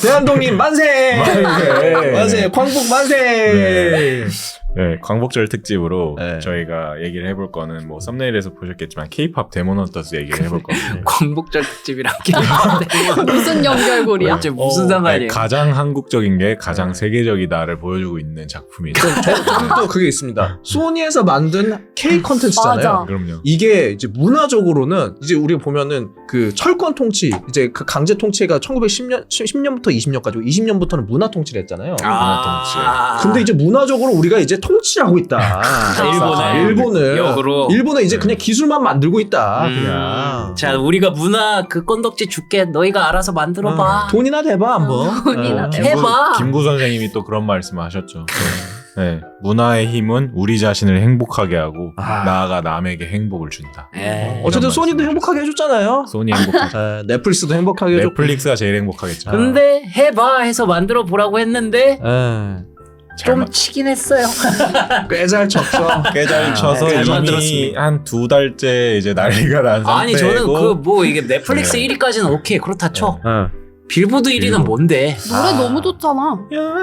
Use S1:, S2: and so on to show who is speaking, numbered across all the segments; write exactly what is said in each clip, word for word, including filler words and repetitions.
S1: 대한독립 만세!
S2: 만세!
S1: 만세! 광복 만세!
S2: 네. 네, 광복절 특집으로
S1: 네.
S2: 저희가 얘기를 해볼 거는 뭐 썸네일에서 보셨겠지만 K-팝 데모넌터스 얘기를 해볼 겁니다.
S3: 광복절 특집이랑 K-팝
S4: 무슨 연결고리야?
S3: 이제 무슨
S2: 네,
S3: 상관이에요?
S2: 가장 한국적인 게 가장
S1: 네.
S2: 세계적이다를 보여주고 있는 작품이죠.
S1: 저, 저는 또 그게 있습니다. 소니에서 만든 K 컨텐츠잖아요.
S4: 맞아.
S2: 그럼요.
S1: 이게 이제 문화적으로는 이제 우리가 보면은 그 철권 통치, 이제 그 강제 통치가 천구백십 년, 십 년부터 이십 년까지, 이십 년부터는 문화 통치를 했잖아요.
S3: 아,
S1: 근데 이제 문화적으로 우리가 이제 통치를 하고 있다.
S3: 일본을.
S1: 일본을.
S3: 역으로.
S1: 일본은 이제
S2: 네.
S1: 그냥 기술만 만들고 있다.
S3: 음.
S1: 그냥.
S3: 자, 우리가 문화 그 건덕지 줄게. 너희가 알아서 만들어봐.
S1: 어, 돈이나 대봐 한번.
S4: 돈이나
S1: 어.
S4: 대봐.
S3: 해봐.
S2: 김구 선생님이 또 그런 말씀을 하셨죠. 네, 문화의 힘은 우리 자신을 행복하게 하고
S1: 아.
S2: 나아가 남에게 행복을 준다.
S3: 에.
S1: 어쨌든
S2: 이런
S1: 소니도
S2: 말씀.
S1: 행복하게 해줬잖아요.
S2: 소니 행복하죠.
S1: 에, 넷플릭스도 행복하게 해줬고.
S2: 넷플릭스가 제일 행복하겠죠.
S1: 아.
S3: 근데 해봐 해서 만들어 보라고 했는데
S1: 에,
S2: 잘
S3: 좀
S2: 만-
S3: 치긴 했어요.
S1: 꽤잘 쳤어.
S2: 꽤잘 쳐서
S3: 잘
S2: 이미
S3: 만들었습니다.
S2: 한 두 달째 이제 난리가 난 상태고.
S3: 아니 저는 그 뭐 이게 넷플릭스
S2: 네.
S3: 일 위까지는 오케이 그렇다 쳐.
S1: 어.
S3: 빌보드 일 위는
S2: 빌보드.
S3: 뭔데?
S4: 노래
S1: 아.
S4: 너무 좋잖아.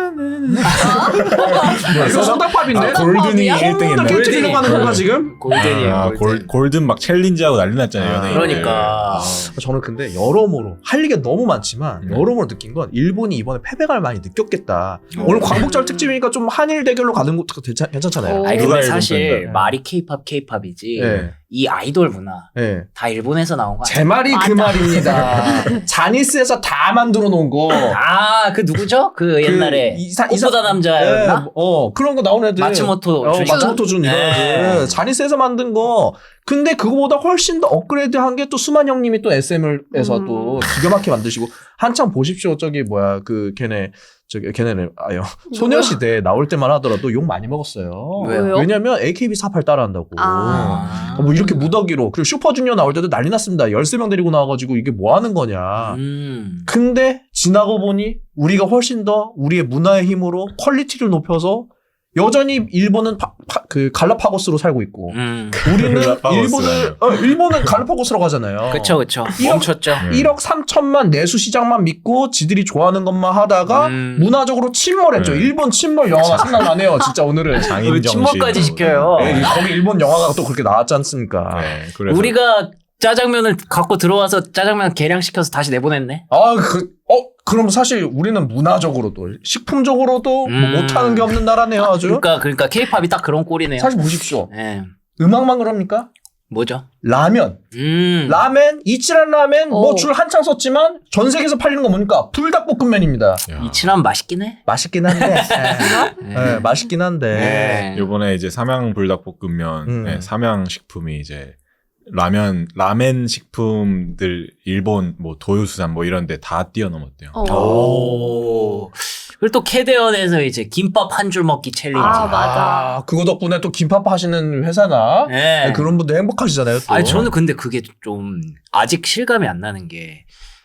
S1: 이거 소다팝인데?
S2: 아, 골든이
S4: 팝이야?
S2: 일 등 했네.
S1: 홈런을 깨뜨리려고 하는 건가 지금?
S3: 골든이에요.
S2: 아,
S3: 골든.
S2: 골, 골든 막 챌린지하고 난리 났잖아요.
S1: 아,
S2: 연예인들.
S3: 그러니까.
S2: 아.
S1: 저는 근데 여러모로 할 얘기가 너무 많지만
S2: 음.
S1: 여러모로 느낀 건 일본이 이번에 패배감을 많이 느꼈겠다.
S3: 오.
S1: 오늘 광복절 특집이니까 좀 한일 대결로 가는 것도 괜찮, 괜찮잖아요.
S4: 오.
S3: 아니
S2: 누가
S3: 근데
S2: 일본
S3: 사실
S2: 팬이다.
S3: 말이 케이팝 케이팝이지
S1: 예.
S3: 이 아이돌 문화
S1: 예.
S3: 다 일본에서 나온 거
S1: 제 말이 그
S4: 맞아.
S1: 말입니다. 자니스에서 다 만들어 놓은 거.
S3: 아그 누구죠? 그 옛날에
S1: 이사-
S3: 꽃보다
S1: 이사-
S3: 남자였나?
S1: 예, 어 그런 거 나온 애들.
S3: 마츠모토
S1: 어,
S3: 준.
S1: 마츠모토 준 이런
S3: 네.
S1: 애들. 자니스에서 만든 거. 근데 그거보다 훨씬 더 업그레이드한 게 또 수만 형님이 또 에스엠에서
S4: 음.
S1: 또 기가 막히게 만드시고 한참 보십시오. 저기 뭐야 그 걔네 저기 걔네는 아요 소녀시대 나올 때만 하더라도 욕 많이 먹었어요.
S3: 왜요?
S1: 왜냐면 에이케이비 사십팔 따라한다고.
S4: 아.
S1: 어, 뭐 이렇게 무더기로. 그리고 슈퍼주니어 나올 때도 난리 났습니다. 열세 명 데리고 나와가지고 이게 뭐 하는 거냐.
S3: 음.
S1: 근데 지나고 보니 우리가 훨씬 더 우리의 문화의 힘으로 퀄리티를 높여서 여전히 일본은 파, 파, 그 갈라파고스로 살고 있고
S3: 음.
S1: 우리는
S2: 갈라파고스라뇨.
S1: 일본을 어, 일본은 갈라파고스라고 하잖아요.
S3: 그쵸 그쵸
S1: 이런-
S3: 멈췄죠.
S2: 네.
S1: 일억 삼천만 내수 시장만 믿고 지들이 좋아하는 것만 하다가
S3: 음.
S1: 문화적으로 침몰했죠.
S2: 네.
S1: 일본 침몰 영화가 생각나네요. 진짜 오늘은.
S2: 장인
S3: 왜
S2: 정신.
S3: 침몰까지 시켜요?
S1: 네, 거기 일본 영화가 또 그렇게 나왔지 않습니까?
S2: 네, 그래서
S3: 우리가 짜장면을 갖고 들어와서 짜장면 계량시켜서 다시 내보냈네.
S1: 아, 그, 어, 그럼 사실 우리는 문화적으로도, 식품적으로도 뭐
S3: 음.
S1: 못하는 게 없는 나라네요, 아주.
S3: 그러니까 그러니까 케이팝이 딱 그런 꼴이네요.
S1: 사실 보십시오.
S3: 예.
S1: 음악만 그럽니까?
S3: 뭐죠?
S1: 라면.
S3: 음.
S1: 라멘, 이치란 라멘, 뭐
S4: 오.
S1: 줄 한창 썼지만 전 세계에서 팔리는 거 뭡니까? 불닭볶음면입니다.
S2: 야.
S3: 이치란 맛있긴 해.
S1: 맛있긴 한데.
S3: 예.
S1: 네, 맛있긴 한데.
S3: 예.
S2: 요번에 이제 삼양 불닭볶음면,
S1: 음.
S2: 네, 삼양 식품이 이제 라면 라멘 식품들 일본 뭐 도요수산 뭐 이런데 다 뛰어넘었대요.
S4: 어.
S3: 오. 그리고 또 캐대언에서 이제 김밥 한 줄 먹기 챌린지.
S4: 아, 맞아.
S1: 아, 그거 덕분에 또 김밥 하시는 회사나
S3: 예.
S1: 네, 그런 분들 행복하시잖아요. 또.
S3: 아니 저는 근데 그게 좀 아직 실감이 안 나는 게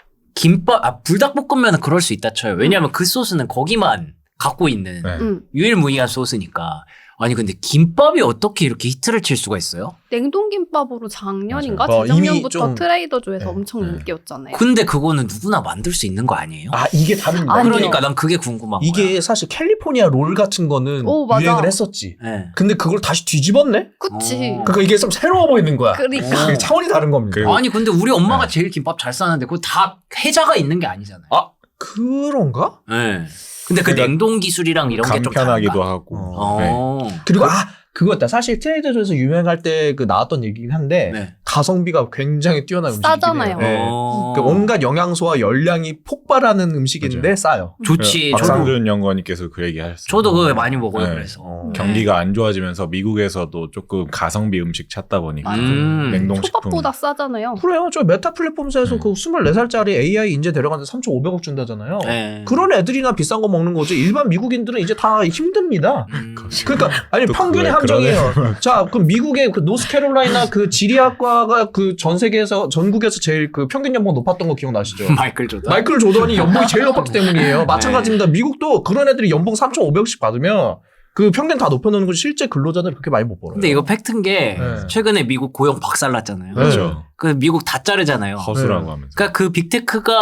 S3: 김밥 아 불닭볶음면은 그럴 수 있다 쳐요. 왜냐하면 그 소스는 거기만 갖고 있는
S2: 네.
S4: 응.
S3: 유일무이한 소스니까. 아니 근데 김밥이 어떻게 이렇게 히트를 칠 수가 있어요?
S4: 냉동김밥으로 작년인가
S1: 맞아. 어, 이미
S4: 재작년부터
S1: 좀-
S4: 트레이더조에서
S1: 네,
S4: 엄청
S2: 네.
S4: 인기였잖아요.
S3: 근데 그거는 누구나 만들 수 있는 거 아니에요?
S1: 아, 이게 다릅니다.
S4: 아니요.
S3: 그러니까 난 그게 궁금한
S1: 이게
S3: 거야.
S1: 사실 캘리포니아 롤 같은 거는
S4: 오, 맞아.
S1: 유행을 했었지.
S3: 예.
S1: 근데 그걸 다시 뒤집었네?
S4: 그치.
S3: 어.
S1: 그러니까 이게 좀 새로워 보이는 거야.
S4: 그러니까.
S1: 그게 차원이 다른 겁니다.
S2: 그리고-
S3: 아니 근데 우리 엄마가
S2: 네.
S3: 제일 김밥 잘 싸는데 그거 다 해자가 있는 게 아니잖아요.
S1: 아, 그런가?
S3: 예. 근데 그
S2: 그러니까
S3: 냉동 기술이랑 이런 게 좀
S2: 간편하기도
S3: 다른가?
S2: 하고.
S1: 어.
S2: 네.
S3: 어.
S1: 그리고 아, 그거였다. 사실 트레이더조에서 유행할 때 그 나왔던 얘기긴 한데
S3: 네.
S1: 가성비가 굉장히 뛰어난 음식이긴
S4: 싸잖아요.
S1: 해요. 네.
S3: 어.
S1: 그 온갖 영양소와 열량이 폭발하는 음식인데 싸요.
S3: 좋지. 저도,
S2: 박상준 연구원님께서 그 얘기 하셨어요.
S3: 저도 그거 많이 먹어요.
S2: 네.
S3: 그래서.
S1: 어.
S2: 경기가 안 좋아지면서 미국에서도 조금 가성비 음식 찾다 보니까
S3: 음.
S2: 냉동식품.
S4: 초밥보다 싸잖아요.
S1: 그래요. 저 메타 플랫폼사에서
S2: 네.
S1: 그 스물네 살짜리 에이아이 인재 데려가는데 삼천오백억 준다잖아요.
S3: 네.
S1: 그런 애들이나 비싼 거 먹는 거지. 일반 미국인들은 이제 다 힘듭니다.
S3: 음.
S1: 그러니까 아니
S2: 또
S1: 평균의
S2: 그래,
S1: 함정이에요. 자, 그럼 미국의 그 노스캐롤라이나 그 지리학과가 그 전 세계에서 전국에서 제일 그 평균 연봉 높았던 거 기억나시죠?
S3: 마이클 조던.
S1: 마이클 조던이 연봉이 제일 높았기 때문이에요.
S3: 네.
S1: 마찬가지입니다. 미국도 그런 애들이 연봉 삼천오백억씩 받으면 그 평균 다 높여놓는 건 실제 근로자들 그렇게 많이 못 벌어요.
S3: 근데 이거 팩트인 게
S1: 네.
S3: 최근에 미국 고용 박살났잖아요.
S1: 네.
S2: 그렇죠.
S3: 그 미국 다 자르잖아요.
S2: 허수라고
S1: 네.
S2: 하면서.
S3: 그러니까 그 빅테크가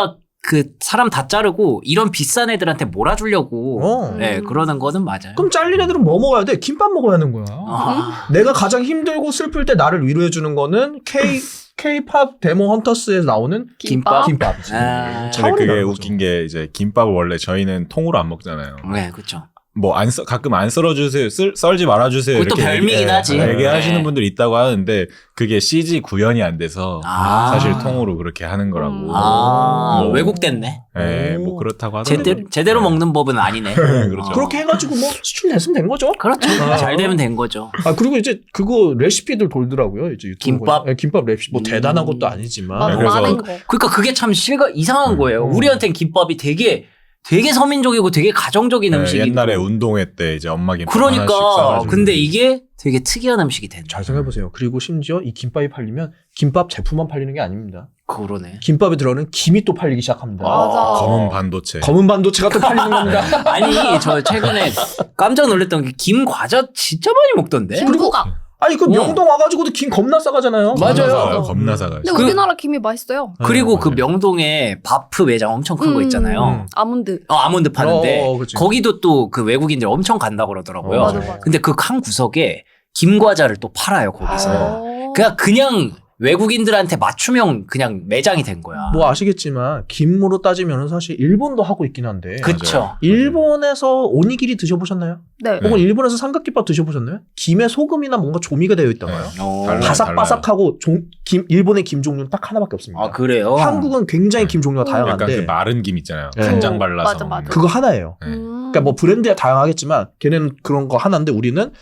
S3: 그 사람 다 자르고 이런 비싼 애들한테 몰아주려고
S1: 어.
S3: 네, 그러는 거는 맞아요.
S1: 그럼 잘린 애들은 뭐 먹어야 돼? 김밥 먹어야 하는 거야.
S3: 아,
S1: 내가 가장 힘들고 슬플 때 나를 위로해 주는 거는 K K-팝 데모 헌터스에 나오는
S3: 김밥?
S1: 김밥이지.
S3: 아.
S2: 근데
S1: 차원이
S2: 그게
S1: 다른 거죠.
S2: 웃긴 게 이제 김밥을 원래 저희는 통으로 안 먹잖아요.
S3: 네, 그렇죠.
S2: 뭐 안 가끔 안 썰어주세요, 쓸, 썰지 말아주세요.
S3: 그것도
S2: 이렇게
S3: 별미긴
S2: 얘기-
S3: 하지.
S2: 예, 얘기하시는
S3: 네.
S2: 분들 있다고 하는데 그게 씨지 구현이 안 돼서
S3: 아.
S2: 사실 통으로 그렇게 하는 거라고.
S4: 음.
S3: 아,
S2: 뭐.
S3: 왜곡됐네.
S2: 예,
S1: 오.
S2: 뭐 그렇다고 하더라고요.
S3: 제대로, 제대로
S2: 네.
S3: 먹는 법은 아니네.
S2: 그렇죠.
S3: 어.
S1: 그렇게 해가지고 뭐 수출냈으면 된 거죠.
S3: 그렇죠.
S1: 아.
S3: 잘 되면 된 거죠.
S1: 아 그리고 이제 그거 레시피들 돌더라고요. 이제 유튜브
S3: 김밥?
S1: 보니까. 네, 김밥 레시피 뭐
S3: 음.
S1: 대단한 것도 아니지만
S4: 맞아,
S2: 그래서-
S4: 많은 거.
S3: 그러니까 그게 참 실가 이상한
S2: 음.
S3: 거예요.
S1: 음.
S3: 우리한텐 김밥이 되게 되게 서민적이고 되게 가정적인
S2: 예,
S3: 음식이
S2: 옛날에 운동회 때 이제 엄마 김밥
S3: 그러니까
S2: 하나씩 싸가지고.
S3: 근데 이게 되게 특이한 음식이 된다.
S1: 잘 생각해보세요. 그리고 심지어 이 김밥이 팔리면 김밥 제품만 팔리는 게 아닙니다.
S3: 그러네.
S1: 김밥에 들어가는 김이 또 팔리기 시작합니다.
S4: 맞아.
S2: 검은 반도체.
S1: 검은 반도체가 또 팔리는 겁니다.
S3: 아니 저 최근에 깜짝 놀랐던 게 김 과자 진짜 많이 먹던데.
S4: 김부각.
S1: 아니 그
S3: 어.
S1: 명동 와가지고도 김 겁나 싸가잖아요.
S3: 맞아요.
S2: 겁나 사가요,
S1: 음.
S2: 겁나 사가요.
S4: 근데
S3: 그-
S4: 우리나라 김이 맛있어요.
S3: 그리고 그
S2: 맞아요.
S3: 명동에 바프 매장 엄청 큰 거
S4: 음.
S3: 있잖아요.
S1: 음.
S4: 아몬드.
S3: 어, 아몬드 파는데
S1: 어, 어, 그치.
S3: 거기도 또 그 외국인들 엄청 간다 그러더라고요.
S1: 어,
S4: 맞아, 맞아.
S3: 근데 그 한 구석에 김 과자를 또 팔아요 거기서.
S4: 어.
S3: 그냥 그냥 외국인들한테 맞춤형 그냥 매장이 된 거야.
S1: 뭐 아시겠지만 김으로 따지면 사실 일본도 하고 있긴 한데
S3: 그쵸.
S1: 일본에서 오니기리 드셔보셨나요?
S4: 네.
S2: 네.
S1: 혹은 일본에서 삼각김밥 드셔보셨나요? 김에 소금이나 뭔가 조미가 되어 있다고요.
S3: 어.
S2: 달라요.
S1: 바삭바삭하고 종, 김, 일본의 김 종류는 딱 하나밖에 없습니다.
S3: 아 그래요?
S1: 한국은 굉장히 김 종류가
S4: 음.
S2: 약간
S1: 다양한데
S2: 그 마른 김 있잖아요.
S1: 네.
S2: 간장
S4: 어,
S2: 발라서
S4: 맞아, 맞아.
S2: 먹는
S1: 그거 하나예요.
S2: 네.
S4: 음.
S1: 그러니까 뭐 브랜드가 다양하겠지만 걔네는 그런 거 하나인데 우리는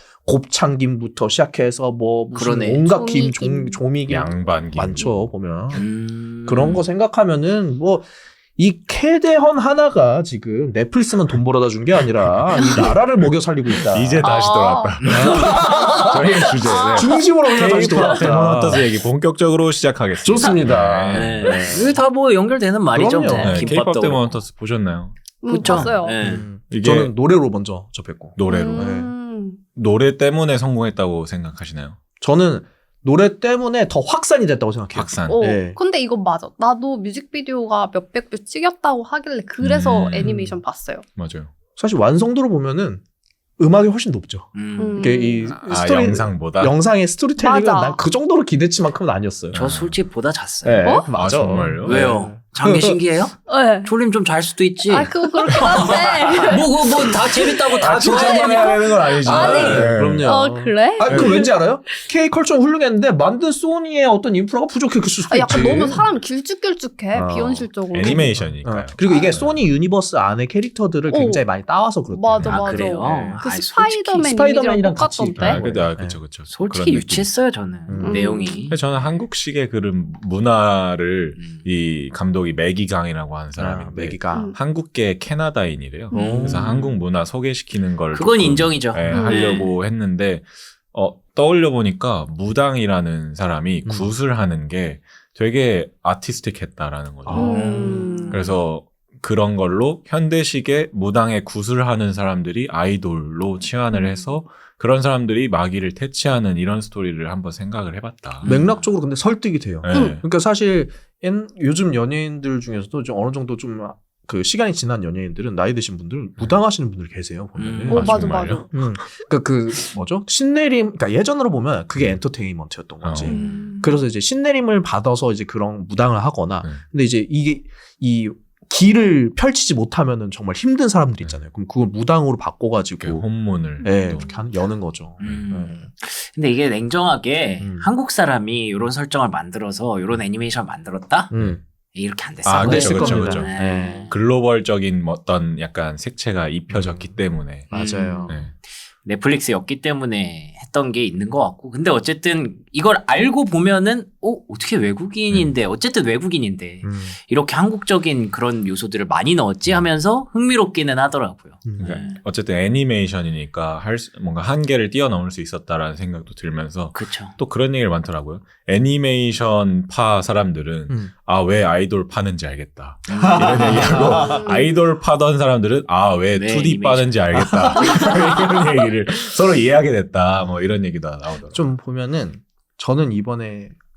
S1: 곱창김부터 시작해서 뭐 무슨
S3: 그러네.
S1: 온갖 김,
S4: 조미김.
S1: 종, 조미김
S2: 양반 김
S1: 많죠 보면
S3: 음.
S1: 그런 거 생각하면은 뭐 이 캐대헌 하나가 지금 넷플릭스만 돈 벌어다 준 게 아니라 이 나라를 먹여 살리고 있다.
S2: 이제 다시
S4: 아.
S2: 돌아왔다. 저희 주제. 네.
S1: 중심으로 우리가 다시
S2: K-팝 데몬
S1: 돌아왔다.
S2: 헌터스 얘기 본격적으로 시작하겠습니다.
S1: 좋습니다.
S3: 네. 이게 다 뭐 연결되는 말이죠.
S1: 그럼요.
S3: 뭐.
S2: 네,
S3: 김밥도
S2: K-팝 데몬
S3: 그렇고.
S2: 헌터스 보셨나요?
S4: 음,
S3: 그쵸?
S4: 봤어요.
S3: 네.
S1: 음,
S2: 이게
S1: 저는 노래로 먼저 접했고
S2: 노래로.
S4: 음.
S2: 노래 때문에 성공했다고 생각하시나요?
S1: 저는 노래 때문에 더 확산이 됐다고 생각해요.
S2: 확산.
S4: 어,
S1: 네.
S4: 근데 이거 맞아. 나도 뮤직비디오가 몇백 뷰 찍혔다고 하길래 그래서
S2: 음.
S4: 애니메이션 봤어요.
S2: 맞아요.
S1: 사실 완성도로 보면은 음악이 훨씬 높죠.
S3: 음.
S1: 이게 이
S2: 아,
S1: 스토리
S2: 영상보다?
S1: 영상의 스토리텔링은
S4: 맞아.
S1: 난 그 정도로 기대치만큼은 아니었어요.
S3: 저 솔직히 보다 잤어요.
S1: 네,
S4: 어?
S1: 맞아.
S2: 아, 정말요?
S3: 왜요? 장기 신기해요?
S4: 네.
S3: 졸림 좀 잘 수도 있지.
S4: 아, 그거 그렇긴 한데.
S3: 뭐, 뭐, 뭐, 다 재밌다고 다
S2: 아,
S3: 좋아해야
S2: 칭찬만
S3: 되니까.
S2: 해야 되는 건 아니지.
S4: 아니.
S2: 네.
S1: 그럼요.
S4: 어, 그래?
S1: 아, 그 왠지 알아요? K 컬처는 훌륭했는데 만든 소니의 어떤 인프라가 부족했을 수도
S4: 아, 약간
S1: 있지.
S4: 너무 사람이 길쭉길쭉해.
S1: 어.
S4: 비현실적으로.
S2: 애니메이션이니까요.
S1: 어. 그리고 이게
S3: 아.
S1: 소니 유니버스 안에 캐릭터들을
S4: 어.
S1: 굉장히 많이 따와서 그렇대.
S4: 맞아,
S3: 아,
S4: 맞아.
S3: 그래요?
S1: 네.
S4: 그
S3: 아니, 솔직히-
S4: 스파이더맨
S1: 스파이더맨이랑
S4: 이미지랑
S1: 같이
S4: 똑같던데.
S2: 아, 근데 아,
S1: 네.
S2: 그쵸, 그쵸.
S3: 솔직히
S2: 그런 느낌.
S3: 유치했어요, 저는.
S1: 음.
S3: 내용이.
S2: 근데 저는 한국식의 그런 문화를
S3: 음.
S2: 이 감독이 매기강이라고 하는
S1: 아,
S2: 사람인데
S1: 매기가.
S4: 음.
S2: 한국계 캐나다인이래요.
S1: 음.
S2: 그래서 한국 문화 소개시키는 걸
S3: 그건
S2: 조금,
S3: 인정이죠.
S2: 예,
S4: 음.
S2: 하려고 했는데 어, 떠올려 보니까 무당이라는 사람이
S1: 음.
S2: 굿을 하는 게 되게 아티스틱했다라는 거죠.
S1: 아.
S4: 음.
S2: 그래서 그런 걸로 현대식의 무당의 굿을 하는 사람들이 아이돌로 치환을 해서 그런 사람들이 마귀를 퇴치하는 이런 스토리를 한번 생각을 해봤다.
S1: 맥락적으로 근데 설득이 돼요.
S2: 네.
S1: 그러니까 사실 옛- 요즘 연예인들 중에서도 좀 어느 정도 좀 그 시간이 지난 연예인들은 나이 드신 분들 무당하시는 분들 계세요. 보면은.
S3: 음.
S4: 어,
S2: 아,
S4: 맞아,
S2: 정말요?
S4: 맞아.
S1: 음. 그러니까 그 뭐죠? 신내림. 그러니까 예전으로 보면 그게 엔터테인먼트였던 거지.
S2: 어.
S4: 음.
S1: 그래서 이제 신내림을 받아서 이제 그런 무당을 하거나.
S2: 네.
S1: 근데 이제 이게 이 길을 펼치지 못하면은 정말 힘든 사람들이 있잖아요. 그럼 그걸 무당으로
S2: 이렇게
S1: 바꿔가지고
S2: 혼문을
S1: 네,
S2: 또
S1: 이렇게 하는, 여는 거죠.
S3: 음. 근데 이게 냉정하게
S1: 음.
S3: 한국 사람이 이런 설정을 만들어서 이런 애니메이션 만들었다?
S1: 네. 음.
S3: 이렇게 안 됐어요.
S2: 아, 그렇죠,
S1: 됐을
S2: 그렇죠,
S1: 겁니다.
S2: 그렇죠.
S3: 네.
S2: 글로벌적인 어떤 약간 색채가 입혀졌기
S1: 음.
S2: 때문에.
S1: 맞아요.
S2: 네.
S3: 넷플릭스였기 때문에 했던 게 있는 것 같고. 근데 어쨌든 이걸 알고 보면은, 어, 어떻게 외국인인데, 어쨌든 외국인인데,
S1: 음.
S3: 이렇게 한국적인 그런 요소들을 많이 넣었지 하면서 흥미롭기는 하더라고요.
S1: 음.
S2: 그러니까
S3: 네.
S2: 어쨌든 애니메이션이니까 할 수- 뭔가 한계를 뛰어넘을 수 있었다라는 생각도 들면서
S3: 그쵸.
S2: 또 그런 얘기를 많더라고요. 애니메이션 파 사람들은
S1: 음.
S2: 아, 왜 아이돌 파는지 알겠다. 이런 얘기하고 아이돌 파던 사람들은 아, 왜
S3: 네,
S2: 투디
S3: 애니메이션.
S2: 빠는지 알겠다. 이런 얘기를 서로 이해하게 됐다. 뭐 이런 얘기도 나오더라고요.
S1: 좀 보면은 저는 이번에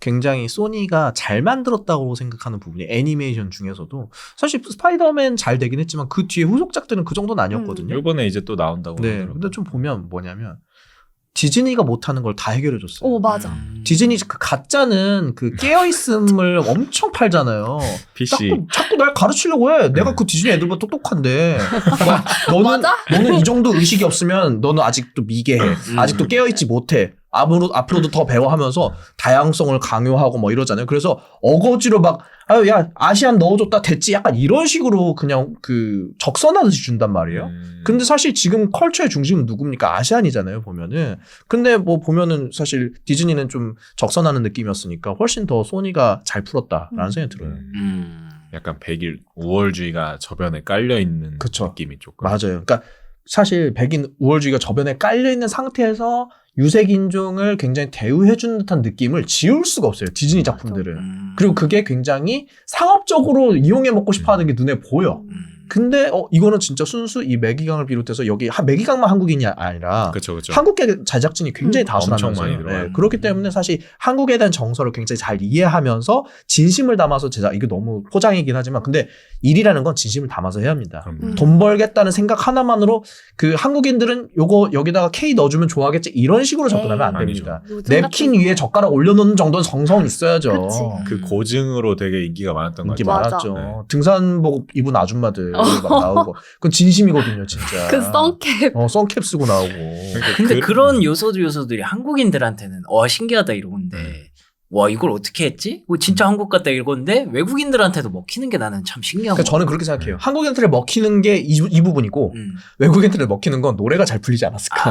S1: 굉장히 소니가 잘 만들었다고 생각하는 부분이 애니메이션 중에서도 사실 스파이더맨 잘 되긴 했지만 그 뒤에 후속작들은 그 정도는 아니었거든요.
S2: 이번에 이제 또 나온다고
S1: 네.
S2: 하더라고요.
S1: 근데 좀 보면 뭐냐면 디즈니가 못하는 걸 다 해결해줬어요.
S4: 오 맞아.
S3: 음.
S1: 디즈니 그 가짜는 그 깨어있음을 엄청 팔잖아요.
S2: 피씨
S1: 자꾸, 자꾸 날 가르치려고 해. 내가
S2: 네.
S1: 그 디즈니 애들보다 똑똑한데. 막 너는,
S4: 맞아?
S1: 너는 이 정도 의식이 없으면 너는 아직도 미개해.
S3: 음.
S1: 아직도 깨어있지 못해. 앞으로, 앞으로도 더 배워하면서 다양성을 강요하고 뭐 이러잖아요. 그래서 어거지로 막, 아유, 야, 아시안 넣어줬다 됐지. 약간 이런 식으로 그냥 그 적선하듯이 준단 말이에요.
S2: 음.
S1: 근데 사실 지금 컬처의 중심은 누굽니까? 아시안이잖아요, 보면은. 근데 뭐 보면은 사실 디즈니는 좀 적선하는 느낌이었으니까 훨씬 더 소니가 잘 풀었다라는
S4: 음.
S1: 생각이 들어요.
S2: 음.
S3: 음.
S2: 약간 백일 우월주의가 저변에 깔려 있는
S1: 그쵸.
S2: 느낌이 조금.
S1: 맞아요. 그러니까 사실 백인 우월주의가 저변에 깔려 있는 상태에서 유색 인종을 굉장히 대우해 주는 듯한 느낌을 지울 수가 없어요. 디즈니
S4: 맞아.
S1: 작품들은.
S3: 음.
S1: 그리고 그게 굉장히 상업적으로 이용해 먹고 싶어 하는 게 눈에 보여.
S3: 음.
S1: 근데 어 이거는 진짜 순수 이 매기강을 비롯해서 여기 하- 매기강만 한국인이 아니라
S2: 그렇죠, 그렇죠.
S1: 한국계 제작진이 굉장히
S4: 음.
S1: 다수라면서요.
S2: 엄청 많이 들어와요.
S1: 네, 그렇기 때문에 사실 한국에 대한 정서를 굉장히 잘 이해하면서 진심을 담아서 제작 이게 너무 포장이긴 하지만 근데 일이라는 건 진심을 담아서 해야 합니다.
S2: 그럼
S4: 음.
S1: 돈 벌겠다는 생각 하나만으로 그 한국인들은 요거 여기다가 K 넣어주면 좋아하겠지 이런 식으로 접근하면 안
S2: 에이,
S1: 됩니다.
S4: 요즘
S1: 냅킨
S4: 같은
S1: 위에 젓가락 올려놓는 정도는 정성은 있어야죠.
S4: 그치.
S2: 그 고증으로 되게 인기가 많았던 것
S1: 인기
S2: 같아요.
S4: 맞아.
S1: 많았죠.
S2: 네.
S1: 등산복 입은 아줌마들
S4: 어.
S1: 막 나오고 그건 진심이거든요, 진짜.
S4: 그 선캡.
S1: 어, 선캡 쓰고 나오고.
S2: 그러니까
S3: 근데
S2: 그-
S3: 그, 런 요소들 요소들이 한국인들한테는 와 신기하다 이러는데
S2: 음.
S3: 와 이걸 어떻게 했지? 뭐 진짜 한국 같다 이건데 외국인들한테도 먹히는 게 나는 참 신기한
S1: 그러니까
S3: 거.
S1: 저는 그렇게 생각해요. 한국인들을 먹히는 게 이 이 부분이고
S3: 음.
S1: 외국인들을 먹히는 건 노래가 잘 풀리지 않았을까.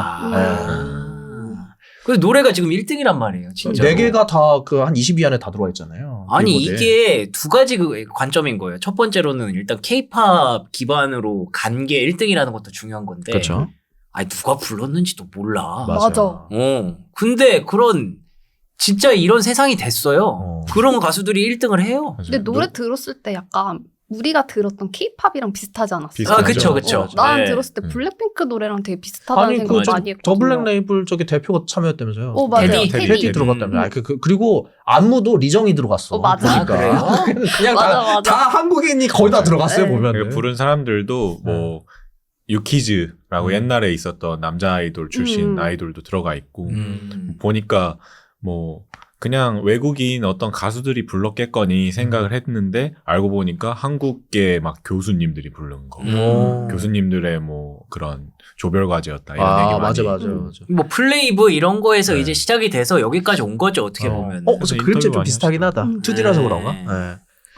S3: 아. 그 노래가 지금 일 등이란 말이에요. 진짜.
S1: 네 개가 다 그 한 이십 위 안에 다 들어와 있잖아요.
S3: 아니
S1: 빌보드에.
S3: 이게 두 가지 그 관점인 거예요. 첫 번째로는 일단 케이팝 기반으로 간 게 일 등이라는 것도 중요한 건데.
S1: 그렇죠.
S3: 아니 누가 불렀는지도 몰라.
S1: 맞아요.
S4: 맞아.
S3: 어. 근데 그런 진짜 이런 세상이 됐어요.
S1: 어.
S3: 그런 가수들이 일 등을 해요.
S2: 맞아요.
S4: 근데 노래
S2: 노-
S4: 들었을 때 약간 우리가 들었던 케이팝이랑 비슷하지 않았어요?
S2: 비슷하죠.
S3: 아, 그쵸, 그쵸.
S4: 어, 난
S3: 네.
S4: 들었을 때
S2: 음.
S4: 블랙핑크 노래랑 되게 비슷하다는
S1: 아니
S4: 생각
S1: 그
S4: 많이
S1: 저
S4: 했거든요.
S1: 블랙 레이블 저기 대표가 참여했다면서요.
S4: 어, 맞아요.
S3: 테디,
S1: 테디,
S3: 테디.
S1: 들어갔다면서.
S3: 음.
S1: 아, 그, 그, 그리고 안무도 리정이 들어갔어.
S4: 어, 맞아.
S1: 보니까.
S3: 아, 그래요?
S1: 그냥
S4: 맞아,
S1: 다,
S4: 맞아.
S1: 다 한국인이 거의 다 들어갔어요,
S4: 네.
S1: 보면.
S2: 그 부른 사람들도 뭐 유키즈라고
S1: 음.
S2: 옛날에 있었던 남자 아이돌 출신
S4: 음.
S2: 아이돌도 들어가 있고
S3: 음.
S2: 보니까 뭐 그냥 외국인 어떤 가수들이 불렀겠거니 생각을 했는데 알고 보니까 한국계 막 교수님들이 부른 거.
S3: 음.
S2: 교수님들의 뭐 그런 조별과제였다 이런
S1: 아,
S2: 얘기 많이.
S1: 맞아, 맞아,
S4: 음.
S1: 맞아.
S3: 뭐 플레이브 이런 거에서
S2: 네.
S3: 이제 시작이 돼서 여기까지 온 거죠 어떻게
S1: 어.
S3: 보면.
S1: 어, 그래서
S2: 그래서
S1: 그림체
S2: 인터뷰
S1: 좀
S2: 많이
S1: 비슷하긴 하다.
S4: 음.
S1: 투디라서
S3: 네.
S1: 그런가? 네.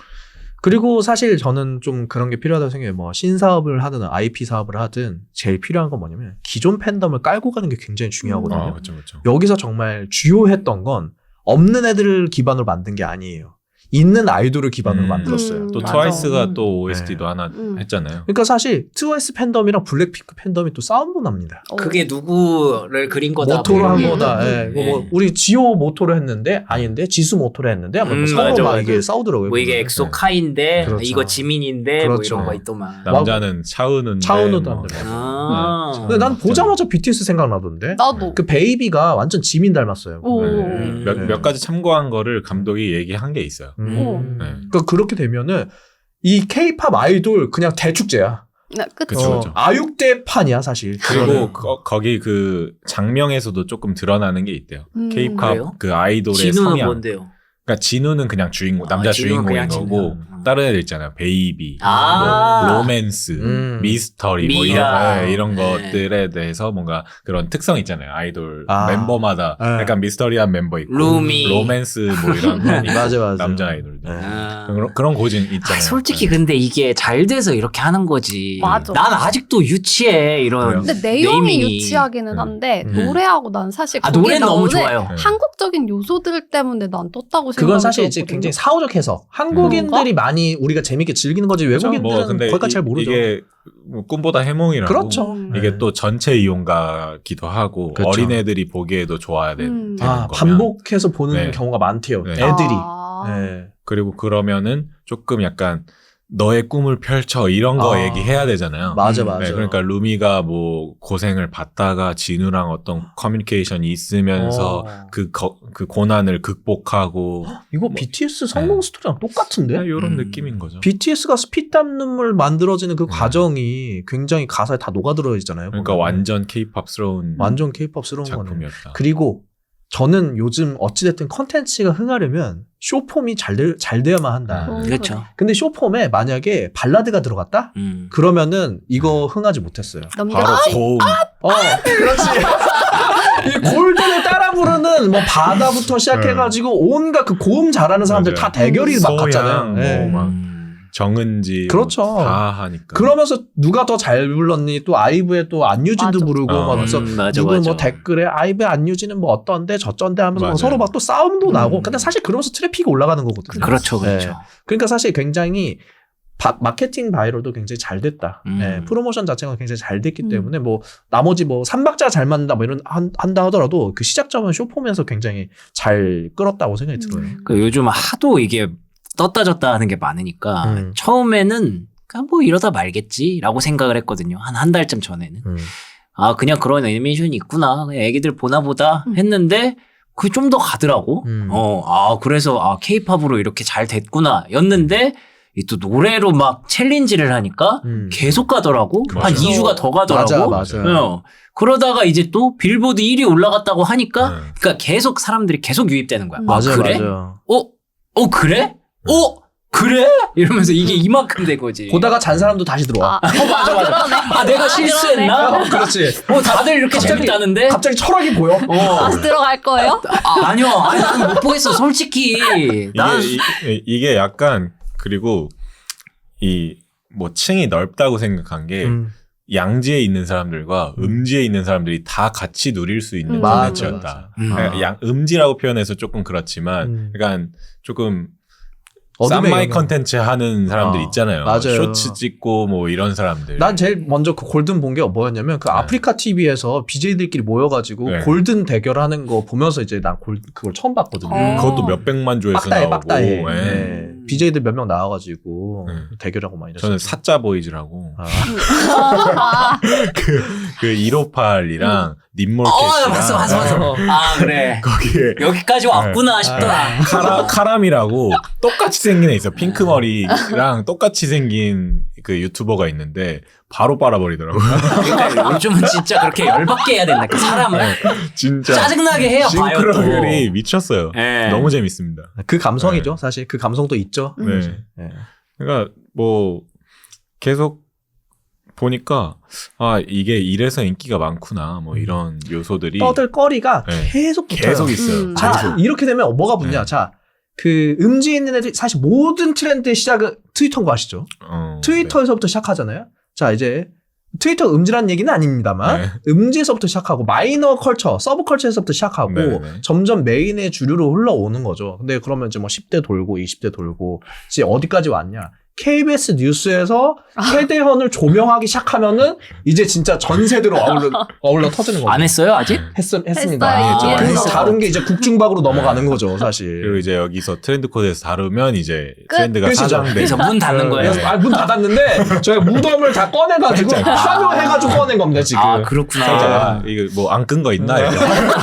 S1: 그리고 사실 저는 좀 그런 게 필요하다고 생각해요. 뭐 신사업을 하든 아이피 사업을 하든 제일 필요한 건 뭐냐면 기존 팬덤을 깔고 가는 게 굉장히 중요하거든요.
S2: 아, 그렇죠, 그렇죠.
S1: 여기서 정말 주요했던 건 없는 애들을 기반으로 만든 게 아니에요. 있는 아이돌을 기반으로
S2: 음.
S1: 만들었어요.
S4: 음,
S2: 또
S4: 맞아.
S2: 트와이스가
S4: 음.
S2: 또 오에스티도
S1: 네.
S2: 하나
S4: 음.
S2: 했잖아요.
S1: 그러니까 사실 트와이스 팬덤이랑 블랙핑크 팬덤이 또 싸움도 납니다.
S4: 어.
S3: 그게 누구를 그린 거다.
S1: 모토로
S3: 뭐
S1: 한
S3: 이런
S1: 거다.
S3: 게.
S1: 예. 이거 뭐 우리 지오 모토로 했는데 아닌데 지수 모토로 했는데 아마 뭐
S3: 음,
S1: 서로
S3: 맞아,
S1: 막
S3: 맞아.
S1: 이게 싸우더라고요.
S3: 뭐 이게
S1: 보면은.
S3: 엑소
S2: 네.
S3: 카인데
S1: 그렇죠.
S3: 이거 지민인데
S1: 그렇죠.
S3: 뭐 이런 거 있더만.
S2: 남자는 차은우인데
S1: 차은우도
S2: 뭐.
S1: 안 돼.
S3: 아.
S1: 근데 난 보자마자 비티에스 생각나던데.
S4: 나도.
S1: 그 베이비가 완전 지민 닮았어요.
S4: 오.
S2: 네.
S3: 음.
S2: 몇,
S1: 네.
S2: 몇 가지 참고한 거를 감독이 얘기한 게 있어요.
S1: 음.
S2: 네.
S1: 그러니까 그렇게 되면은 이 케이팝 아이돌 그냥 대축제야.
S4: 네, 그치.
S2: 그쵸,
S1: 어,
S2: 그쵸.
S1: 아육대판이야 사실.
S2: 그리고
S1: 그거는.
S2: 거, 거기 그 장명에서도 조금 드러나는 게 있대요.
S4: 음.
S2: 케이팝
S3: 그래요?
S2: 그 아이돌의
S3: 진우는
S2: 성향.
S3: 뭔데요?
S2: 그러니까 진우는 그냥 주인공, 남자
S3: 아, 진우는
S2: 주인공인
S3: 그냥
S2: 거고
S3: 진우.
S2: 다른 애들 있잖아요. 베이비,
S3: 아.
S2: 뭐 로맨스,
S1: 음.
S2: 미스터리 뭐 이런,
S3: 미라.
S2: 네, 이런
S3: 네.
S2: 것들에 대해서 뭔가 그런 특성 있잖아요. 아이돌
S1: 아.
S2: 멤버마다
S1: 네.
S2: 약간 미스터리한 멤버 있고
S3: 루미.
S2: 로맨스 뭐 이런 거 있고,
S1: 맞아, 맞아.
S2: 남자 아이돌들.
S1: 네.
S3: 아.
S2: 그런, 그런 고증
S3: 아,
S2: 있잖아요.
S3: 솔직히
S2: 네.
S3: 근데 이게 잘 돼서 이렇게 하는 거지.
S4: 맞아.
S3: 난 아직도 유치해 이런.
S2: 그래요?
S4: 근데 내용이
S3: 네이밍이.
S4: 유치하기는
S2: 음.
S4: 한데
S1: 음.
S4: 노래하고 난 사실
S3: 아
S4: 거기에
S3: 노래는 너무
S4: 나오는
S3: 좋아요.
S2: 네.
S4: 한국적인 요소들 때문에 난 떴다고 생각이
S1: 그건 사실 이제
S4: 들었거든요.
S1: 굉장히 사후적 해석. 한국인들이 많이 우리가 재밌게 즐기는 거지 외국인들은
S2: 뭐 근데
S1: 거기까지
S2: 이-
S1: 잘 모르죠.
S2: 이게 뭐 꿈보다 해몽이라고.
S1: 그렇죠.
S4: 음.
S2: 이게
S1: 네.
S2: 또 전체 이용가기도 하고
S1: 그렇죠.
S2: 어린애들이 보기에도 좋아야 되,
S4: 음.
S2: 되는
S1: 아,
S2: 거면
S1: 반복해서 보는
S2: 네.
S1: 경우가 많대요.
S2: 네.
S1: 애들이.
S4: 아.
S1: 네.
S2: 그리고 그러면은 조금 약간 너의 꿈을 펼쳐 이런 거
S1: 아.
S2: 얘기해야 되잖아요.
S1: 맞아
S3: 음,
S1: 맞아.
S2: 네, 그러니까 루미가 뭐 고생을 받다가 진우랑 어떤 커뮤니케이션이 있으면서
S1: 어.
S2: 그, 거, 그 고난을 극복하고
S1: 이거
S2: 뭐-
S1: 비티에스 성공
S2: 네.
S1: 스토리랑 똑같은데?
S2: 이런
S3: 음.
S2: 느낌인 거죠.
S1: 비티에스가 피땀 눈물 만들어지는 그
S2: 네.
S1: 과정이 굉장히 가사에 다 녹아들어 있잖아요.
S2: 그러니까
S1: 보면은.
S2: 완전 케이팝스러운
S1: 완전 케이팝스러운 거네.
S2: 작품이었다.
S1: 그리고 저는 요즘 어찌됐든 컨텐츠가 흥하려면 쇼폼이 잘, 돼, 잘 돼야만 한다.
S2: 음.
S4: 어,
S3: 그렇죠.
S1: 근데 쇼폼에 만약에 발라드가 들어갔다?
S3: 음.
S1: 그러면은 이거 흥하지 못했어요.
S2: 바로
S4: 넘겼지.
S2: 고음.
S1: 어, 그렇지. 이 골든을 따라 부르는 뭐 바다부터 시작해가지고 온갖 그 고음 잘하는 사람들
S2: 맞아요.
S1: 다 대결이 막
S2: 소양,
S1: 갔잖아요.
S2: 뭐
S1: 예.
S2: 막
S3: 음.
S2: 정은지
S1: 그렇죠.
S2: 뭐 다 하니까.
S1: 그러면서 누가 더 잘 불렀니? 또 아이브에 또 안유진도
S4: 맞아.
S1: 부르고
S2: 어.
S1: 막 그래서
S3: 음, 맞아,
S1: 누구
S3: 맞아.
S1: 뭐 댓글에 아이브 안유진은 뭐 어떤데 저쩐데 하면서 막
S2: 맞아요.
S1: 서로 막 또 싸움도
S3: 음.
S1: 나고. 근데 사실 그러면서 트래픽이 올라가는 거거든요.
S3: 그렇죠, 그렇죠.
S1: 네. 그러니까 사실 굉장히 바- 마케팅 바이럴도 굉장히 잘 됐다.
S3: 음.
S1: 예, 프로모션 자체가 굉장히 잘 됐기
S4: 음.
S1: 때문에 뭐 나머지 뭐 삼박자 잘 맞는다 뭐 이런 한, 한다 하더라도 그 시작점은 쇼폼에서 굉장히 잘 끌었다고 생각이 들어요.
S4: 음.
S3: 그 요즘 하도 이게 떴다 졌다 하는 게 많으니까
S1: 음.
S3: 처음에는 그냥 뭐 이러다 말겠지라고 생각을 했거든요. 한 한 달쯤 전에는.
S1: 음.
S3: 아 그냥 그런 애니메이션이 있구나. 그냥 애기들 보나 보다
S4: 음.
S3: 했는데 그게 좀 더 가더라고.
S1: 음.
S3: 어, 아 그래서 아 케이팝으로 이렇게 잘 됐구나 였는데 이 또 노래로 막 챌린지를 하니까
S1: 음.
S3: 계속 가더라고. 한
S2: 맞아.
S3: 이 주가 더 가더라고.
S1: 맞아, 맞아.
S3: 어. 그러다가 이제 또 빌보드 일 위 올라갔다고 하니까
S2: 네.
S3: 그러니까 계속 사람들이 계속 유입되는 거야.
S4: 음.
S3: 아,
S1: 맞아요,
S3: 그래?
S1: 맞아요.
S3: 어? 어 그래? 어? 그래? 이러면서 이게 이만큼 된 거지.
S1: 보다가 잔 사람도 다시 들어와.
S4: 아, 맞아, 그러네.
S3: 아 내가 실수했나?
S1: 어, 그렇지.
S3: 어 다들 이렇게
S1: 갑자기-
S3: 재밌다는데?
S1: 갑자기 철학이 보여.
S3: 어.
S4: 다시 들어갈 거예요?
S3: 아, 아니요. 아니 나는 못 보겠어. 솔직히. 난
S2: 이게, 이, 이게 약간 그리고 이 뭐 층이 넓다고 생각한 게
S1: 음.
S2: 양지에 있는 사람들과 음지에 있는 사람들이 다 같이 누릴 수 있는
S4: 음.
S2: 콘텐츠였다.
S3: 음.
S2: 그러니까 양 음지라고 표현해서 조금 그렇지만,
S1: 음.
S2: 약간 조금
S1: 어둠의
S2: 쌈마이
S1: 영역.
S2: 컨텐츠 하는 사람들
S1: 어,
S2: 있잖아요.
S1: 맞아요.
S2: 쇼츠 찍고 뭐 이런 사람들.
S1: 난 제일 먼저 그 골든 본 게 뭐였냐면 그
S2: 네.
S1: 아프리카 티비에서 비제이들끼리 모여가지고
S2: 네.
S1: 골든 대결하는 거 보면서 이제 난 골, 그걸 처음 봤거든요.
S4: 어.
S2: 그것도 몇백만 조회수
S1: 빡다해
S2: 나오고.
S1: 빡다해.
S2: 예.
S1: 네. 비제이들 몇 명 나와가지고
S2: 네.
S1: 대결하고 막 이랬어요.
S2: 저는 사자 보이즈라고
S1: 아.
S4: 아,
S2: 그 일오팔이랑 님몰캣이랑
S3: 어, 봤어, 봤어, 봤어. 아, 그래.
S2: 거기에
S3: 여기까지 왔구나 싶더라.
S2: 카라, 카람이라고 똑같이 생긴 애 있어. 핑크 머리랑 똑같이 생긴 그 유튜버가 있는데 바로 빨아버리더라고요.
S3: 그러니까 요즘은 진짜 그렇게 열받게 해야 된다. 그 사람을
S2: 진짜
S3: 짜증나게 해야 봐요 또.
S2: 싱크로율이 미쳤어요.
S3: 예.
S2: 너무 재밌습니다.
S1: 그 감성이죠. 사실 그 감성도 있죠.
S4: 음.
S2: 네.
S1: 네.
S2: 그러니까 뭐 계속 보니까 아 이게 이래서 인기가 많구나 뭐 이런 요소들이
S1: 떠들거리가
S2: 네.
S1: 계속 붙어요.
S2: 계속 있어요.
S4: 음.
S1: 자,
S2: 계속.
S1: 이렇게 되면 뭐가 붙냐.
S2: 네.
S1: 자, 그 음지에 있는 애들이 사실 모든 트렌드의 시작은 트위터인 거 아시죠?
S2: 어,
S1: 트위터에서부터 시작하잖아요. 자, 이제 트위터 음지란 얘기는 아닙니다만
S2: 네.
S1: 음지에서부터 시작하고 마이너 컬처, 서브 컬처에서부터 시작하고
S2: 네, 네.
S1: 점점 메인의 주류로 흘러오는 거죠. 근데 그러면 이제 뭐 십 대 돌고 이십 대 돌고 이제 어디까지 왔냐? 케이비에스 뉴스에서 최대현을 조명하기 시작하면은 이제 진짜 전 세대로 어울러 어울러 터지는 거죠.
S3: 안 했어요 아직?
S1: 했, 했습니다.
S4: 했어요.
S2: 했죠, 많이
S1: 그리고
S2: 했죠.
S1: 다른 게 이제 국중박으로 넘어가는 거죠, 사실.
S2: 그리고 이제 여기서 트렌드 코드에서 다루면 이제
S4: 끝.
S2: 트렌드가
S1: 끝이죠.
S2: 사장돼.
S3: 그래서 문 닫는 거예요.
S1: 그래서 아, 문 닫았는데 저희가 무덤을 다 꺼내가지고 파묘해가지고 꺼낸 겁니다 지금.
S3: 아 그렇구나.
S2: 아, 이거 뭐 안 끈 거 있나? 이렇게.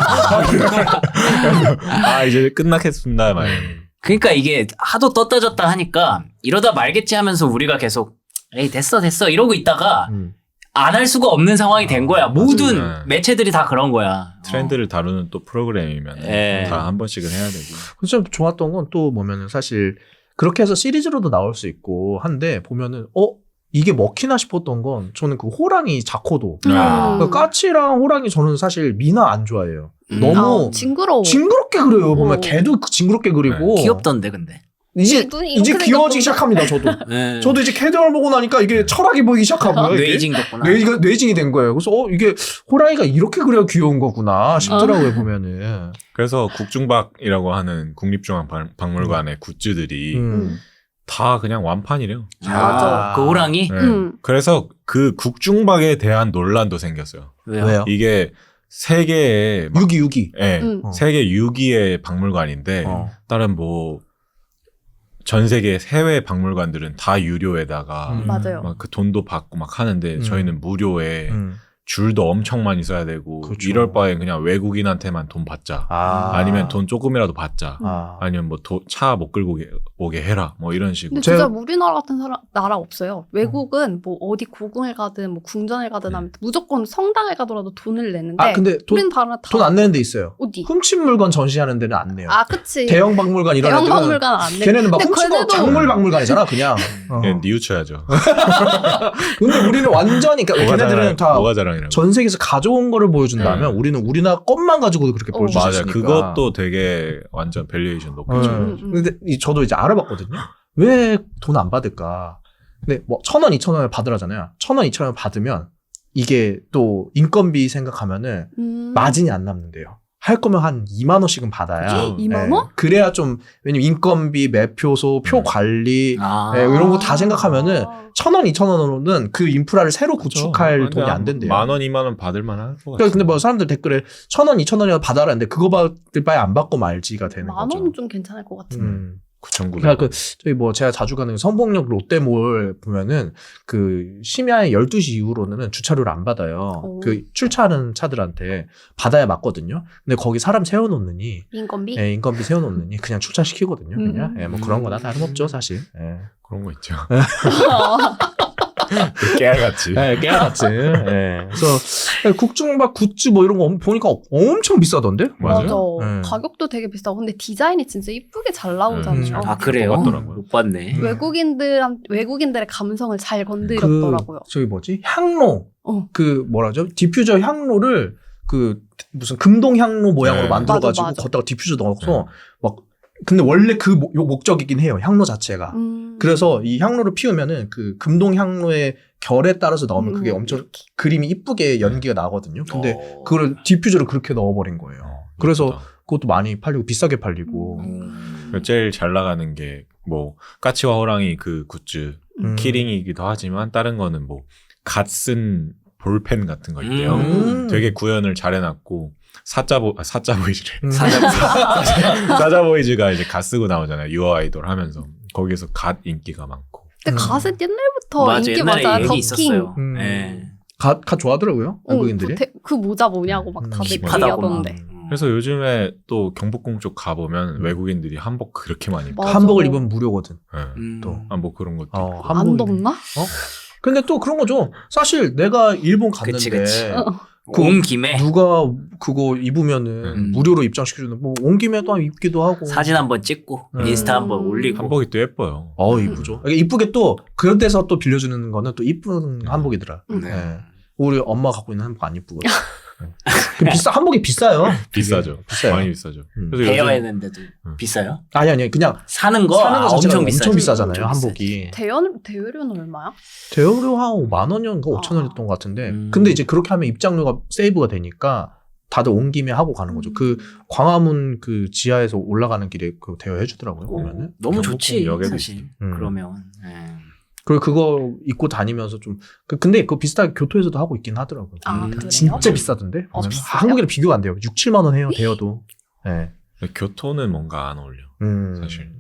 S2: 아 이제 끝나겠습니다. 막.
S3: 그러니까 이게 하도 떴다 졌다 하니까 이러다 말겠지 하면서 우리가 계속 에이 됐어 됐어 이러고 있다가
S1: 음.
S3: 안 할 수가 없는 상황이 된 거야. 모든
S2: 맞아요.
S3: 매체들이 다 그런 거야.
S2: 트렌드를 다루는 또 프로그램이면
S3: 예.
S2: 다 한 번씩은 해야 되고.
S1: 그래서 좀 좋았던 건 또 보면은 사실 그렇게 해서 시리즈로도 나올 수 있고 한데 보면은 어 이게 먹히나 싶었던 건 저는 그 호랑이 자코도
S4: 음.
S3: 아.
S1: 그 까치랑 호랑이 저는 사실 미나 안 좋아해요.
S3: 음.
S1: 너무
S4: 아, 징그러워.
S1: 징그럽게 그려요. 보면
S4: 어.
S1: 걔도 징그럽게 그리고
S3: 귀엽던데 근데.
S1: 이제
S4: 눈이
S1: 이제
S4: 이렇게
S1: 귀여워지기
S4: 생겼구나.
S1: 시작합니다. 저도
S3: 네.
S1: 저도 이제 캐드얼 보고 나니까 이게 철학이 보이기 시작하고요. 이게.
S3: 뇌이징 덕구나.
S1: 뇌, 뇌징이 된 거예요. 그래서 어 이게 호랑이가 이렇게 그려야 귀여운 거구나 싶더라고요 보면은.
S2: 그래서 국중박이라고 하는 국립중앙박물관의 굿즈들이
S1: 음.
S2: 다 그냥 완판이래요.
S3: 아, 그 호랑이?
S2: 네.
S4: 음.
S2: 그래서 그 국중박에 대한 논란도 생겼어요.
S3: 왜요?
S1: 왜요?
S2: 이게 세계의 막-
S1: 유기 유기.
S2: 예,
S4: 음.
S1: 어.
S2: 세계 육 위의 박물관인데
S1: 어.
S2: 다른 뭐 전 세계 해외 박물관들은 다 유료에다가
S1: 음.
S4: 맞아요.
S2: 막 그 돈도 받고 막 하는데
S1: 음.
S2: 저희는 무료에
S1: 음.
S2: 줄도 엄청 많이 써야 되고
S1: 그쵸.
S2: 이럴 바에 그냥 외국인한테만 돈 받자.
S1: 아.
S2: 아니면 돈 조금이라도 받자.
S1: 아.
S2: 아니면 뭐 차 못 끌고 오게, 오게 해라. 뭐 이런 식으로.
S4: 근데
S1: 제가-
S4: 진짜 우리나라 같은 사람, 나라 없어요. 외국은 뭐 어디 고궁을 가든 뭐 궁전을 가든 하면 무조건 성당에 가더라도 돈을 내는데
S1: 아 근데
S4: 우리는 다른 다
S1: 돈 안 내는 데 있어요.
S4: 어디?
S1: 훔친 물건 전시하는 데는 안 내요.
S4: 아 그치.
S1: 대형 박물관 이런
S4: 대형
S1: 애들은
S4: 박물관 안 내.
S1: 걔네는 막
S4: 근데
S1: 훔친 거
S4: 걔네도-
S1: 작물 박물관이잖아 그냥. 어.
S2: 그냥 뉘우쳐야죠.
S1: 근데 우리는 완전히 그러니까
S2: 뭐가
S1: 걔네들은
S2: 자랑,
S1: 다
S2: 뭐가 자랑이라고.
S1: 전 세계에서 가져온 거를 보여준다면
S2: 네.
S1: 우리는 우리나라 것만 가지고도 그렇게
S4: 어.
S1: 보여줄 수
S2: 맞아.
S1: 있으니까.
S2: 그것도 되게 완전 밸류에이션 높죠.
S1: 네.
S4: 음, 음.
S1: 근데 이- 저도 이제 알아봤거든요. 왜 돈 안 받을까? 근데 뭐 천 원, 이천 원을 받으라잖아요. 천 원, 이천 원 받으면 이게 또 인건비 생각하면은
S4: 음.
S1: 마진이 안 남는데요. 할 거면 한 이만 원씩은 받아야.
S2: 그죠.
S4: 이만
S1: 예.
S4: 원?
S1: 그래야 좀 왜냐면 인건비, 매표소, 표
S2: 음.
S1: 관리
S3: 아.
S1: 예, 이런 거 다 생각하면은
S4: 아.
S1: 천 원, 이천 원으로는 그 인프라를 새로 구축할 돈이 안 된대요.
S2: 만 원, 이만 원 받을 만한 것 같아요.
S1: 그러니까 근데 뭐 사람들 댓글에 천 원, 이천 원이라도 받아라는데 그거 받을 바에 안 받고 말지가 되는
S4: 만
S1: 거죠.
S4: 원은 좀 괜찮을 것 같은데.
S1: 음.
S2: 구천구백
S1: 그러니까 그 저희 뭐 제가 자주 가는 성북역 롯데몰 보면은 그 심야 열두 시 이후로는 주차료를 안 받아요.
S4: 오.
S1: 그 출차하는 차들한테 받아야 맞거든요. 근데 거기 사람 세워놓느니
S4: 인건비?
S1: 예, 인건비 세워놓느니 그냥 출차시키거든요. 그냥
S4: 음.
S1: 예, 뭐 그런 거나 다름없죠 사실. 예.
S2: 그런 거 있죠.
S4: 어.
S2: 깨알같이.
S1: 예, 깨알같이. 예. 그래서 국중박 굿즈 뭐 이런 거 보니까 엄청 비싸던데?
S2: 맞아요.
S4: 맞아.
S1: 네.
S4: 가격도 되게 비싸고 근데 디자인이 진짜 이쁘게 잘 나오잖아요.
S1: 음.
S3: 아 그래요?
S2: 똑같더라고요.
S3: 못 봤네.
S1: 음.
S4: 외국인들한 외국인들의 감성을 잘 건드렸더라고요.
S1: 그 저기 뭐지 향로
S4: 어.
S1: 그 뭐라죠 디퓨저 향로를 그 무슨 금동 향로 모양으로
S2: 네.
S1: 만들어가지고
S4: 맞아, 맞아.
S1: 걷다가 디퓨저 넣어서
S2: 네.
S1: 막 근데 원래 그 목- 요 목적이긴 해요 향로 자체가.
S4: 음.
S1: 그래서 이 향로를 피우면은 그 금동 향로의 결에 따라서 넣으면 그게
S4: 음,
S1: 엄청
S4: 이렇게.
S1: 그림이 이쁘게 연기가 나거든요. 근데
S3: 어.
S1: 그걸 디퓨저를 그렇게 넣어버린 거예요.
S2: 어,
S1: 그래서
S2: 예쁘다.
S1: 그것도 많이 팔리고 비싸게 팔리고.
S3: 음.
S2: 제일 잘 나가는 게 뭐 까치와 호랑이 그 굿즈
S1: 음.
S2: 키링이기도 하지만 다른 거는 뭐 갓 쓴 볼펜 같은 거 있대요.
S1: 음.
S2: 되게 구현을 잘 해놨고 사자보 아, 사자보이즈래.
S1: 음.
S2: 사자보이즈가 이제 갓 쓰고 나오잖아요. 유어 아이돌 하면서 거기에서 갓 인기가 많고.
S4: 근데
S1: 음.
S4: 가스 옛날부터
S3: 맞아,
S4: 인기
S3: 옛날에
S4: 많아요.
S3: 얘기
S4: 더킹.
S3: 있었어요.
S1: 음.
S3: 네.
S1: 가, 가 좋아하더라고요
S4: 어,
S1: 외국인들이.
S4: 그, 대- 그 모자 뭐냐고 막
S1: 음.
S4: 다들
S3: 힙하다고 막.
S4: 얘기하던데.
S3: 음.
S2: 그래서 요즘에 또 경복궁 쪽 가보면
S1: 음.
S2: 외국인들이 한복 그렇게 많이 입고.
S4: 맞아.
S1: 한복을 입으면 무료거든.
S2: 네.
S3: 음.
S1: 또.
S2: 아, 뭐 그런 것도
S1: 어,
S2: 있고.
S4: 안
S1: 한복이-
S4: 덥나?
S1: 근데 또 그런 거죠. 사실 내가 일본 갔는데
S3: 그치, 그치.
S4: 어.
S1: 그
S3: 온 김에
S1: 누가 그거 입으면은
S3: 음.
S1: 무료로 입장시켜주는 뭐온 김에도 입기도 하고.
S3: 사진 한번 찍고
S1: 음.
S3: 인스타 한번 올리고.
S2: 한복이 또 예뻐요.
S1: 어 이쁘죠. 이게 이쁘게 또 그런 데서 또 빌려주는 거는 또 이쁜 한복이더라.
S4: 음.
S3: 네.
S1: 예. 우리 엄마 갖고 있는 한복 안 이쁘거든. 그 비싸 한복이 비싸요.
S2: 비싸죠.
S1: 비싸요.
S2: 많이 비싸죠.
S1: 음.
S2: 그래서 요즘
S3: 대여했는데도
S2: 음.
S3: 비싸요?
S1: 아니 아니 그냥
S3: 사는 거,
S1: 사는 거
S3: 아,
S1: 자체가
S3: 엄청 비싸지.
S1: 엄청 비싸잖아요
S3: 엄청
S1: 한복이.
S4: 대여 대여료는 얼마야?
S1: 대여료 한 오만 원이었는가
S4: 아.
S1: 오천 원이었던 것 같은데.
S3: 음.
S1: 근데 이제 그렇게 하면 입장료가 세이브가 되니까 다들 온 김에 하고 가는 거죠.
S4: 음.
S1: 그 광화문 그 지하에서 올라가는 길에 그 대여해 주더라고요.
S3: 오,
S1: 보면은.
S3: 너무
S2: 경복궁
S3: 좋지
S2: 역에도
S3: 사실.
S1: 음.
S3: 그러면. 네.
S1: 그리고 그거 입고 다니면서 좀 그- 근데 그거 비슷하게 교토에서도 하고 있긴 하더라고요.
S4: 아,
S3: 음.
S4: 그래요?
S1: 진짜 비싸던데.
S4: 어,
S1: 보면.
S4: 비싸요?
S1: 한국이랑 비교가 안 돼요. 육, 칠만 원 해요. 대여도. 예.
S2: 근데 교토는 뭔가 안 어울려.
S1: 음.
S2: 사실.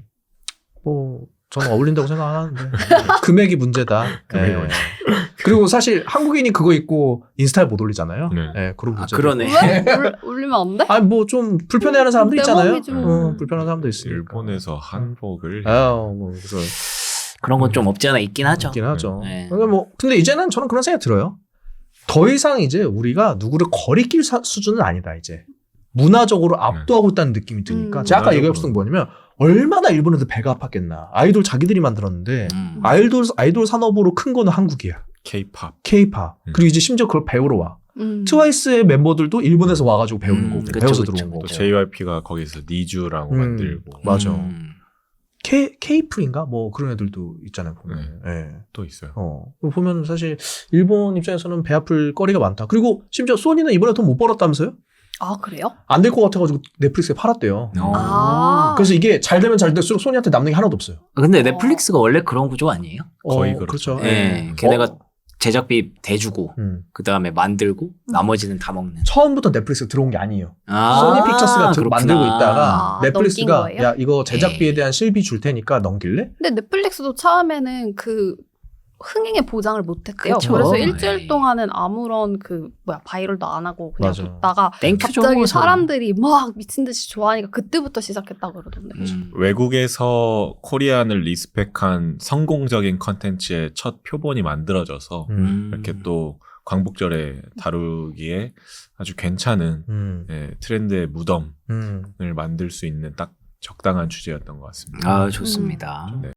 S1: 뭐 저는 어울린다고 생각 안 하는데 금액이 문제다.
S2: 금액이
S1: 예.
S2: 문제.
S1: 그리고 사실 한국인이 그거 입고 인스타에 못 올리잖아요.
S2: 네.
S1: 예, 그런
S3: 아
S1: 문제.
S3: 그러네.
S4: 왜? 올, 올리면 안 돼?
S1: 아니 뭐 좀 불편해하는 사람도
S4: 내
S1: 있잖아요.
S4: 몸이지 뭐.
S1: 어, 불편한 사람도 있으니까.
S2: 일본에서 한복을
S1: 아유, 뭐 그래서
S3: 그런 건 좀 없지 않아 있긴 하죠.
S1: 있긴 하죠.
S3: 네.
S1: 근데 뭐 근데 이제는 저는 그런 생각이 들어요. 더 이상 이제 우리가 누구를 거리낄 사- 수준은 아니다 이제. 문화적으로 압도하고 있다는 느낌이 드니까
S4: 음.
S1: 제가 아까
S2: 문화적으로.
S1: 얘기했던 게 뭐냐면 얼마나 일본에도 배가 아팠겠나. 아이돌 자기들이 만들었는데
S3: 음.
S1: 아이돌 아이돌 산업으로 큰 거는 한국이야.
S2: 케이팝.
S1: K-팝.
S2: 음.
S1: 그리고 이제 심지어 그걸 배우러 와.
S4: 음.
S1: 트와이스의 멤버들도 일본에서 와가지고 배우는
S3: 음,
S1: 거고
S3: 그쵸,
S1: 배워서
S3: 그쵸,
S1: 들어온
S3: 그쵸.
S1: 거고.
S2: 또 제이와이피가 거기서 니주라고
S1: 음.
S2: 만들고
S1: 맞아.
S3: 음.
S1: K K풀인가 뭐 그런 애들도 있잖아요. 보면. 예.
S2: 또 있어요.
S1: 어 보면 사실 일본 입장에서는 배 아플 거리가 많다. 그리고 심지어 소니는 이번에 돈 못 벌었다면서요?
S4: 아 그래요?
S1: 안 될 것 같아가지고 넷플릭스에 팔았대요.
S3: 어.
S4: 아.
S1: 그래서 이게 잘 되면 잘 될수록 소니한테 남는 게 하나도 없어요.
S3: 근데 넷플릭스가 원래 그런 구조 아니에요?
S2: 거의
S1: 어,
S2: 그렇죠.
S1: 그렇죠.
S3: 네.
S1: 예.
S3: 걔네가
S1: 어,
S3: 제작비 대주고
S1: 음.
S3: 그 다음에 만들고 나머지는 다 먹는.
S1: 처음부터 넷플릭스 들어온 게 아니에요.
S3: 아,
S1: 소니 픽처스가 들-
S3: 그렇구나.
S1: 만들고 있다가
S4: 아,
S1: 넷플릭스가
S4: 넘긴 거예요?
S1: 야 이거 제작비에
S3: 에이.
S1: 대한 실비 줄 테니까 넘길래?
S4: 근데 넷플릭스도 처음에는 그 흥행의 보장을 못했대요.
S3: 그쵸.
S4: 그래서 일주일
S3: 에이.
S4: 동안은 아무런 그 뭐야 바이럴도 안 하고 그냥
S1: 맞아.
S4: 뒀다가
S3: 땡큐죠.
S4: 갑자기
S3: 뭐,
S4: 사람들이 막 미친 듯이 좋아하니까 그때부터 시작했다 그러던데.
S3: 음.
S2: 외국에서 코리안을 리스펙한 성공적인 컨텐츠의 첫 표본이 만들어져서
S3: 음.
S2: 이렇게 또 광복절에 다루기에 아주 괜찮은
S1: 음.
S2: 예, 트렌드의 무덤을
S1: 음.
S2: 만들 수 있는 딱 적당한 주제였던 것 같습니다.
S3: 아 좋습니다.
S2: 네.